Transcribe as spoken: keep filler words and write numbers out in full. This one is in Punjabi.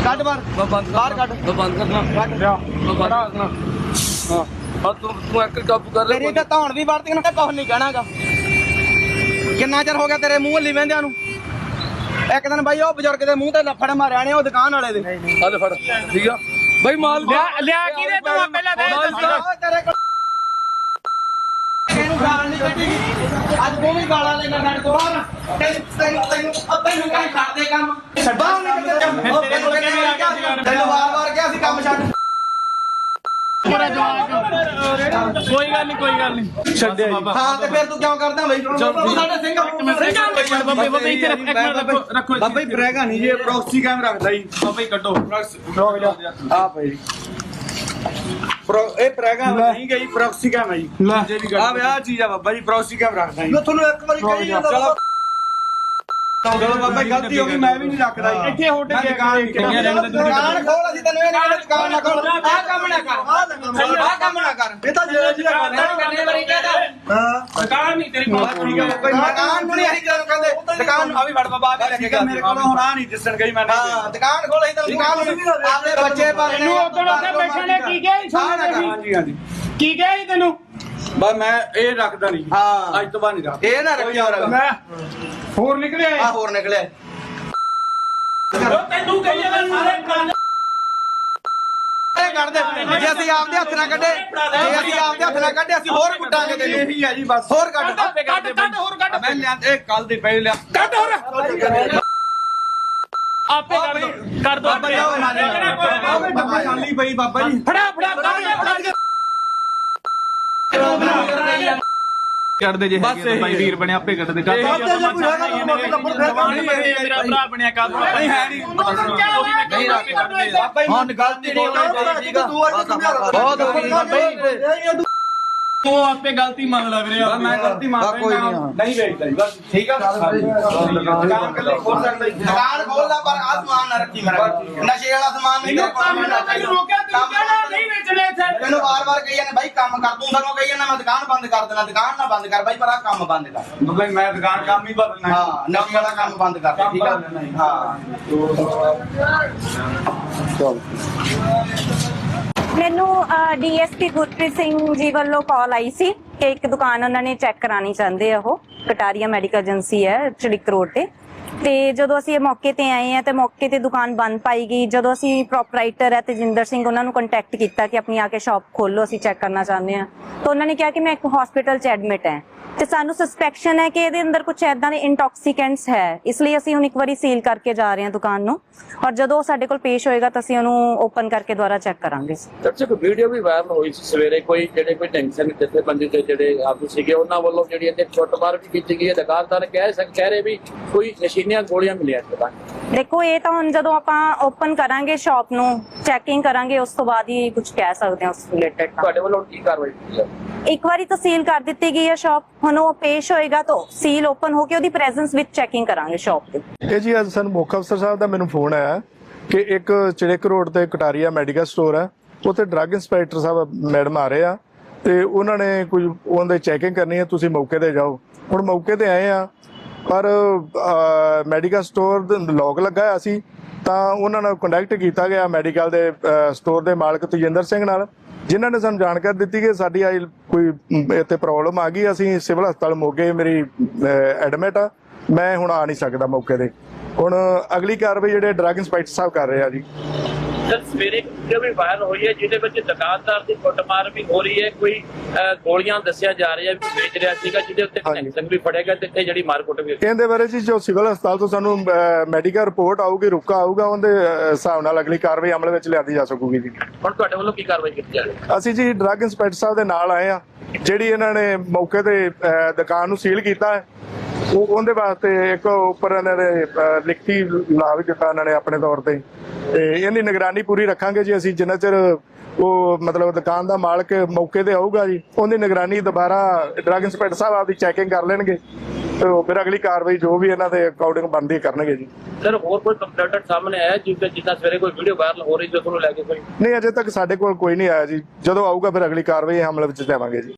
ਕੱਢ ਬਾਹਰ ਬਾਹਰ ਕੱਢ ਬੰਦ ਕਰਨਾ ਕੱਢ ਲਿਆ ਬੰਦ ਕਰਨਾ ਹਾਂ ਆ ਤੂੰ ਤੂੰ ਇੱਕ ਕਾਬੂ ਕਰ ਲੈ ਤੇਰੀ ਤਾਂ ਧੌਣ ਵੀ ਵਰਤੀ ਨਾ ਕੁਝ ਨਹੀਂ ਕਹਿਣਾਗਾ। ਕਿੰਨਾ ਚਿਰ ਹੋ ਗਿਆ ਤੇਰੇ ਮੂੰਹ ਹੱਲੀ ਵਹਿੰਦਿਆਂ ਨੂੰ। ਇੱਕ ਦਿਨ ਬਾਈ ਉਹ ਬਜ਼ੁਰਗ ਦੇ ਮੂੰਹ ਤੇ ਲੱਫੜ ਮਾਰਿਆ ਨੇ ਉਹ ਦੁਕਾਨ ਵਾਲੇ ਦੇ। ਆ ਲੈ ਫੜ ਠੀਕ ਆ ਬਾਈ ਮਾਲ ਲਿਆ ਕੀ ਦੇ ਤੂੰ ਪਹਿਲਾਂ ਦੇ ਤੇਰੇ ਕੋਲ ਇਹਨੂੰ ਗਾਲ ਨਹੀਂ ਕੱਢੀ ਅੱਜ ਤੂੰ ਵੀ ਗਾਲਾਂ ਲੈਣਾ ਸਾਡੇ ਕੋਲ ਬਾਹਰ ਤੈਨੂੰ ਤੈਨੂੰ ਤੈਨੂੰ ਅੱਧੇ ਨੂੰ ਕੰਮ ਛੱਡ ਦੇ ਕੰਮ ਬਾਹਰ ਨਿਕਲ ਕੰਮ ਤੈਨੂੰ ਵਾਰ ਵਾਰ ਕਿਹਾ ਸੀ ਕੰਮ ਛੱਡ। ਕੋਈ ਗੱਲ ਨਹੀਂ ਕੋਈ ਗੱਲ ਨਹੀਂ ਛੱਡਿਆ ਹਾਂ ਤੇ ਫਿਰ ਤੂੰ ਕਿਉਂ ਕਰਦਾ ਬਈ ਤੂੰ ਸਾਡੇ ਸਿੰਘ ਬਾਬੇ ਬਾਬੇ ਇੱਥੇ ਰੱਖ- ਇੱਕ ਮਿੰਟ ਰੱਖੋ ਰੱਖੋ ਇੱਥੇ। ਬਾਬਾ ਜੀ ਬਰੇਗਾ ਨਹੀਂ ਜੀ ਪ੍ਰੋਕਸੀ ਕੈਮ ਰੱਖਦਾ ਜੀ ਬਾਬਾ ਜੀ ਕੱਢੋ ਆ ਭਾਈ ਪ੍ਰੋ ਇਹ ਬਰੇਗਾ ਨਹੀਂ ਗਈ ਪ੍ਰੋਕਸੀ ਕੈਮ ਹੈ ਜੀ ਆ ਵੇ ਆ ਚੀਜ਼ ਆ ਬਾਬਾ ਜੀ ਪ੍ਰੋਕਸੀ ਕੈਮ ਰੱਖਦਾ ਜੀ ਮੈਂ ਤੁਹਾਨੂੰ ਇੱਕ ਵਾਰੀ ਕਹੀ ਜਾਂਦਾ ਚਲੋ ਚਲੋ ਬਾਬਾ ਜੀ ਗਲਤੀ ਹੋ ਗਈ ਮੈਂ ਵੀ ਨਹੀਂ ਰੱਖਦਾ ਜੀ ਇੱਥੇ ਹੋਟਲ ਮੈਂ ਦੁਕਾਨ ਨਹੀਂ ਕਰਨੀ। ਦੁਕਾਨ ਖੋਲ ਅਸੀਂ ਤੈਨੂੰ ਇਹ ਨਹੀਂ ਕਹਿੰਦੇ ਦੁਕਾਨ ਨਾ ਖੋਲ ਆਹ ਕੰਮ ਨਾ ਕਰ ਆਹ ਕੰਮ ਨਾ ਕਰ ਇਹ ਤਾਂ ਜਿਹੜਾ ਜਿਹੜਾ ਕਰਨੇ ਵਾਲੀ ਕਹਿੰਦਾ ਹਾਂ ਦੁਕਾਨ ਨਹੀਂ ਤੇਰੀ ਬਸ ਠੀਕ ਹੈ ਬਾਬਾ ਜੀ ਦੁਕਾਨ ਨੂੰ ਨਹੀਂ ਅਸੀਂ ਜਦੋਂ ਕਹਿੰਦੇ ਦੁਕਾਨ ਨੂੰ ਆ ਵੀ ਵੜ ਬਾਬਾ ਆ ਵੀ ਲੈ ਕੇ ਠੀਕ ਹੈ ਮੇਰੇ ਕੋਲ ਹੁਣ ਆ ਨਹੀਂ ਦਿਸਣ ਗਈ ਮੈਂ ਹਾਂ ਦੁਕਾਨ ਖੋਲ ਅਸੀਂ ਤੈਨੂੰ ਦੁਕਾਨ ਨੂੰ ਆਪਦੇ ਬੱਚੇ ਪਾਲਣੇ ਤੈਨੂੰ ਉਦੋਂ ਉੱਥੇ ਬੈਠੇ ਨੇ ਕੀ ਕਿਹਾ ਸੀ ਸੋਨੇ ਦੇ ਹਾਂਜੀ ਹਾਂਜੀ ਕੀ ਕਿਹਾ ਸੀ ਤੈਨੂੰ ਬਸ ਮੈਂ ਇਹ ਰੱਖਦਾ ਨਹੀਂ ਹਾਂ ਅੱਜ ਤੋਂ ਬਾਅਦ ਨਹੀਂ ਰੱਖਦਾ ਇਹ ਨਾ ਰੱਖਿਆ ਹੋਰ ਮੈਂ ਹੋਰ ਨਿਕਲਿਆ ਆ ਹੋਰ ਨਿਕਲਿਆ ਤੈਨੂੰ ਕਹੀ ਜਾਂਦਾ ਸਾਰੇ ਪੁਰਾਣੇ ਇਹ ਕੱਢ ਦੇ ਜੇ ਅਸੀਂ ਆਪਦੇ ਹੱਥ ਨਾਲ ਕੱਢੇ ਜੇ ਅਸੀਂ ਆਪਦੇ ਹੱਥ ਨਾਲ ਕੱਢੇ ਅਸੀਂ ਹੋਰ ਕੁੱਟਾਂਗੇ ਤੈਨੂੰ ਇਹੀ ਹੈ ਜੀ ਬਸ ਹੋਰ ਕੱਢ ਕੱਢ ਕੱਢ ਹੋਰ ਕੱਢ ਮੈਂ ਲਿਆ ਇਹ ਕੱਲ ਦੇ ਪਹਿਲੇ ਲਿਆ ਕੱਢ ਹੋਰ ਆਪੇ ਕਰ ਦੋ ਕਰ ਦੋ ਆਪੇ ਬਾਬਾ ਖਾਲੀ ਪਈ ਬਾਬਾ ਜੀ ਫੜਾ ਫੜਾ ਫੜਾ ਕੱਢ ਦੇ ਜੇ ਹੈਗੇ ਭਾਈ ਵੀਰ ਬਣਿਆ ਆਪੇ ਕੱਢ ਦੇ ਕੱਢ ਮੇਰਾ ਭਰਾ ਬਣਿਆ ਕੱਢ ਨਹੀਂ ਹੈ ਨਹੀਂ ਨਹੀਂ ਰੱਖ ਕੱਢ ਦੇ ਹੁਣ ਗਲਤੀ ਨਹੀਂ ਹੋਣੀ ਠੀਕ ਆ ਬਹੁਤ ਹੋ ਗਈ ਬਾਬਾ ਤੂੰ ਆਪੇ ਗਲਤੀ ਮੰਨ ਲੈ ਵੀਰੇ ਮੈਂ ਗਲਤੀ ਮੰਨਦਾ ਕੋਈ ਨਹੀਂ, ਹਾਂ। ਨਹੀਂ ਵੇਚਦਾ ਜੀ ਬਸ ਠੀਕ ਆ ਦੁਕਾਨ ਕੱਲੇ ਖੋਲ ਸਕਦਾ ਜੀ ਦੁਕਾਨ ਖੋਲਦਾ ਪਰ ਆ ਸਮਾਨ ਨਾ ਰੱਖੀ ਮੇਰਾ ਨਸ਼ੇ ਵਾਲਾ ਸਮਾਨ ਨਹੀਂ ਤੇਰੇ ਕੋਲ ਤੈਨੂੰ ਰੋਕਿਆ ਤੂੰ ਕਹਿਣਾ ਨਹੀਂ ਵੇਚਣੇ ਇੱਥੇ ਤੈਨੂੰ ਵਾਰ-ਵਾਰ ਕਹੀ ਜਾਂਦੇ ਬਾਈ ਕੰਮ ਕਰ ਤੂੰ ਸਾਨੂੰ ਕਹੀ ਜਾਂਦਾ ਮੈਂ ਦੁਕਾਨ ਬੰਦ ਕਰ ਦੇਣਾ ਦੁਕਾਨ ਨਾ ਬੰਦ ਕਰ ਬਾਈ ਪਰ ਆ ਕੰਮ ਬੰਦ ਕਰ ਬਾਬਾ ਜੀ ਮੈਂ ਦੁਕਾਨ ਕੰਮ ਹੀ ਬਦਲਣਾ ਹਾਂ ਨਸ਼ੇ ਵਾਲਾ ਕੰਮ ਬੰਦ ਕਰ ਦੇ ਠੀਕ ਆ ਹਾਂ ਮੈਨੂੰ ਡੀਐਸਪੀ ਗੁਰਪ੍ਰੀਤ ਸਿੰਘ ਜੀ ਵੱਲੋਂ ਕਾਲ ਆਈ ਸੀ ਕਿ ਇੱਕ ਦੁਕਾਨ ਉਹਨਾਂ ਨੇ ਚੈੱਕ ਕਰਾਣੀ ਚਾਹੁੰਦੇ ਆ ਉਹ ਕਟਾਰੀਆ ਮੈਡੀਕਲ ਏਜੰਸੀ ਹੈ ਚੜਿਕ ਰੋਡ ਤੇ ਤੇ ਜਦੋਂ ਅਸੀਂ ਇਹ ਮੌਕੇ ਤੇ ਆਏ ਆ ਤੇ ਮੌਕੇ ਤੇ ਦੁਕਾਨ ਬੰਦ ਪਾਈ ਗਈ। ਜਦੋਂ ਅਸੀਂ ਪ੍ਰੋਪਰਾਈਟਰ ਹੈ ਤੇਜਿੰਦਰ ਸਿੰਘ ਉਹਨਾਂ ਨੂੰ ਕੰਟੈਕਟ ਕੀਤਾ ਕਿ ਆਪਣੀ ਆ ਕੇ ਸ਼ਾਪ ਖੋਲੋ ਅਸੀਂ ਚੈੱਕ ਕਰਨਾ ਚਾਹੁੰਦੇ ਆ ਤਾਂ ਉਹਨਾਂ ਨੇ ਕਿਹਾ ਕਿ ਮੈਂ ਇੱਕ ਹਸਪੀਟਲ 'ਚ ਐਡਮਿਟ ਹੈ ਤੇ ਸਾਨੂੰ ਸਸਪੈਕਸ਼ਨ ਹੈ ਕਿ ਇਹਦੇ ਅੰਦਰ ਕੁਝ ਐਦਾਂ ਦੇ ਇੰਟੌਕਸੀਕੈਂਟਸ ਹੈ ਇਸ ਲਈ ਅਸੀਂ ਹੁਣ ਇੱਕ ਵਾਰੀ ਸੀਲ ਕਰਕੇ ਜਾ ਰਹੇ ਹਾਂ ਦੁਕਾਨ ਨੂੰ ਔਰ ਜਦੋਂ ਸਾਡੇ ਕੋਲ ਪੇਸ਼ ਹੋਏਗਾ ਤਾਂ ਅਸੀਂ ਉਹਨੂੰ ਓਪਨ ਕਰਕੇ ਦੁਬਾਰਾ ਚੈੱਕ ਕਰਾਂਗੇ। ਦਰਸ਼ਕ ਵੀਡੀਓ ਵੀ ਵਾਇਰਲ ਹੋਈ ਸੀ ਸਵੇਰੇ ਕੋਈ ਜਿਹੜੇ ਕੋਈ ਟੈਂਸ਼ਨ ਜਥੇਬੰਦੀ ਤੇ ਜਿਹੜੇ ਆਗੂ ਸੀਗੇ ਉਹਨਾਂ ਵੱਲੋਂ ਜਿਹੜੀ ਇੱਥੇ ਛੁੱਟਮਾਰ ਵੀ ਕੀਤੀ ਗਈ ਹੈ। ਦੁਕਾਨਦਾਰ ਕਹਿ ਸਕ ਕਹਿ ਰਹੇ ਵੀ ਕੋਈ ਨਸ਼ੀਲੀਆਂ ਗੋਲੀਆਂ ਮਿਲੀਆਂ ਦੁਕਾਨ ਦੇਖੋ ਇਹ ਤਾਂ ਹੁਣ ਜਦੋਂ ਆਪਾਂ ਓਪਨ ਕਰਾਂਗੇ ਸ਼ਾਪ ਨੂੰ ਚੈਕਿੰਗ ਕਰਾਂਗੇ ਉਸ ਤੋਂ ਬਾਅਦ ਹੀ ਕੁਝ ਕਹਿ ਸਕਦੇ ਹਾਂ ਉਸ ਰਿਲੇਟਡ। ਤੁਹਾਡੇ ਵੱਲੋਂ ਕੀ ਕਾਰਵਾਈ ਕੀਤੀ ਹੈ? ਇੱਕ ਵਾਰੀ ਤਾਂ ਸੀਲ ਕਰ ਦਿੱਤੀ ਗਈ ਹੈ ਸ਼ਾਪ ਹੁਣ ਉਹ ਪੇਸ਼ ਹੋਏਗਾ ਤਾਂ ਸੀਲ ਓਪਨ ਹੋ ਕੇ ਉਹਦੀ ਪ੍ਰੈਜ਼ੈਂਸ ਵਿੱਚ ਚੈਕਿੰਗ ਕਰਾਂਗੇ ਸ਼ਾਪ ਤੇ। ਇਹ ਜੀ ਅੱਜ ਸਾਨੂੰ ਮੁੱਖ ਅਫਸਰ ਸਾਹਿਬ ਦਾ ਮੈਨੂੰ ਫੋਨ ਆਇਆ ਕਿ ਇੱਕ ਚੜਿਕ ਰੋਡ ਤੇ ਕਟਾਰੀਆ ਮੈਡੀਕਲ ਸਟੋਰ ਹੈ ਉੱਥੇ ਡਰੱਗ ਇੰਸਪੈਕਟਰ ਸਾਹਿਬ ਮੈਡਮ ਆ ਰਹੇ ਆ ਤੇ ਉਹਨਾਂ ਨੇ ਕੁਝ ਉਹਦੇ ਚੈਕਿੰਗ ਕਰਨੀ ਹੈ ਤੁਸੀਂ ਮੌਕੇ ਤੇ ਜਾਓ। ਹੁਣ ਮੌਕੇ ਤੇ ਆਏ ਆ ਪਰ ਮੈਡੀਕਲ ਸਟੋਰ ਦਾ ਲੋਕ ਲੱਗਾ ਹੋਇਆ ਸੀ ਤਾਂ ਉਹਨਾਂ ਨਾਲ ਕੰਟੈਕਟ ਕੀਤਾ ਗਿਆ ਮੈਡੀਕਲ ਦੇ ਸਟੋਰ ਦੇ ਮਾਲਕ ਤੇਜਿੰਦਰ ਸਿੰਘ ਨਾਲ ਜਿਨ੍ਹਾਂ ਨੇ ਸਾਨੂੰ ਜਾਣਕਾਰੀ ਦਿੱਤੀ ਕਿ ਸਾਡੀ ਆਈ ਕੋਈ ਇੱਥੇ ਪ੍ਰੋਬਲਮ ਆ ਗਈ ਅਸੀਂ ਸਿਵਲ ਹਸਪਤਾਲ ਮੋਗੇ ਮੇਰੀ ਐਡਮਿਟ ਆ ਮੈਂ ਹੁਣ ਆ ਨਹੀਂ ਸਕਦਾ ਮੌਕੇ ਤੇ। ਹੁਣ ਅਗਲੀ ਕਾਰਵਾਈ ਜਿਹੜੇ ਡਰੱਗ ਇੰਸਪੈਕਟਰ ਸਾਹਿਬ ਕਰ ਰਹੇ ਆ ਜੀ। ਸਰ ਸਵੇਰੇ ਵੀਡੀਓ ਵੀ ਵਾਇਰਲ ਹੋਈ ਹੈ ਜਿਹਦੇ ਵਿੱਚ ਦੁਕਾਨਦਾਰ ਦੀ ਕੁੱਟਮਾਰ ਵੀ ਹੋ ਰਹੀ ਹੈ ਕੋਈ ਗੋਲੀਆਂ ਦੱਸਿਆ ਜਾ ਰਿਹਾ ਵੀ ਵੇਚ ਰਿਹਾ ਸੀਗਾ ਜਿਹਦੇ ਉੱਤੇ ਕਨੈਕਸ਼ਨ ਵੀ ਫੜੇਗਾ ਤੇ ਇੱਥੇ ਜਿਹੜੀ ਮਾਰਕੁੱਟ ਵੀ ਇਹਦੇ ਬਾਰੇ ਜੀ ਜੋ ਸਿਵਲ ਹਸਪਤਾਲ ਤੋਂ ਸਾਨੂੰ ਮੈਡੀਕਲ ਰਿਪੋਰਟ ਆਊਗੀ ਰੁਕਾ ਆਊਗਾ ਉਹਦੇ ਹਿਸਾਬ ਨਾਲ ਅਗਲੀ ਕਾਰਵਾਈ ਅਮਲ ਵਿੱਚ ਲਿਆਂਦੀ ਜਾ ਸਕੂਗੀ ਜੀ। ਹੁਣ ਤੁਹਾਡੇ ਵੱਲੋਂ ਕੀ ਕਾਰਵਾਈ ਕੀਤੀ ਜਾ ਰਹੀ ਹੈ? ਅਸੀਂ ਜੀ ਡਰੱਗ ਇੰਸਪੈਕਟਰ ਸਾਹਿਬ ਦੇ ਨਾਲ ਆਏ ਆ ਜਿਹੜੀ ਇਹਨਾਂ ਨੇ ਮੌਕੇ ਤੇ ਦੁਕਾਨ ਨੂੰ ਸੀਲ ਕੀਤਾ ਹੈ ਉਹ ਉਹਦੇ ਵਾਸਤੇ ਇੱਕ ਉੱਪਰ ਇਹਨਾਂ ਨੇ ਲਿਖਤੀ ਲਾ ਵੀ ਦਿੱਤਾ ਇਹਨਾਂ ਨੇ ਆਪਣੇ ਤੌਰ ਤੇ ਤੇ ਇਹਦੀ ਨਿਗਰਾਨੀ ਪੂਰੀ ਰੱਖਾਂਗੇ ਜੀ ਅਸੀਂ ਜਿੰਨਾ ਚਿਰ ਉਹ ਮਤਲਬ ਦੁਕਾਨ ਦਾ ਮਾਲਕ ਮੌਕੇ ਤੇ ਆਊਗਾ ਜੀ ਉਹਦੀ ਨਿਗਰਾਨੀ ਦੁਬਾਰਾ ਡਰੱਗ ਇੰਸਪੈਕਟਰ ਸਾਹਿਬ ਆਪਦੀ ਚੈਕਿੰਗ ਕਰ ਲੈਣਗੇ ਤੇ ਫਿਰ ਅਗਲੀ ਕਾਰਵਾਈ ਜੋ ਵੀ ਇਹਨਾਂ ਦੇ ਅਕਾਊਂਟਿੰਗ ਬਣਦੀ ਕਰਨਗੇ ਜੀ। ਸਰ ਹੋਰ ਕੋਈ ਕੰਪਲੇਂਟ ਸਾਹਮਣੇ ਆਇਆ ਜਿੱਦਾਂ ਜਿੱਦਾਂ ਸਵੇਰੇ ਕੋਈ ਵੀਡੀਓ ਵਾਇਰਲ ਹੋ ਰਹੀ ਜੋ ਤੁਹਾਨੂੰ ਲੈ ਕੇ ਕੋਈ ਨਹੀਂ ਅਜੇ ਤੱਕ ਸਾਡੇ ਕੋਲ ਕੋਈ ਨਹੀਂ ਆਇਆ ਜੀ ਜਦੋਂ ਆਊਗਾ ਫਿਰ ਅਗਲੀ ਕਾਰਵਾਈ ਅਮਲ ਵਿੱਚ ਲਿਆਵਾਂਗੇ ਜੀ।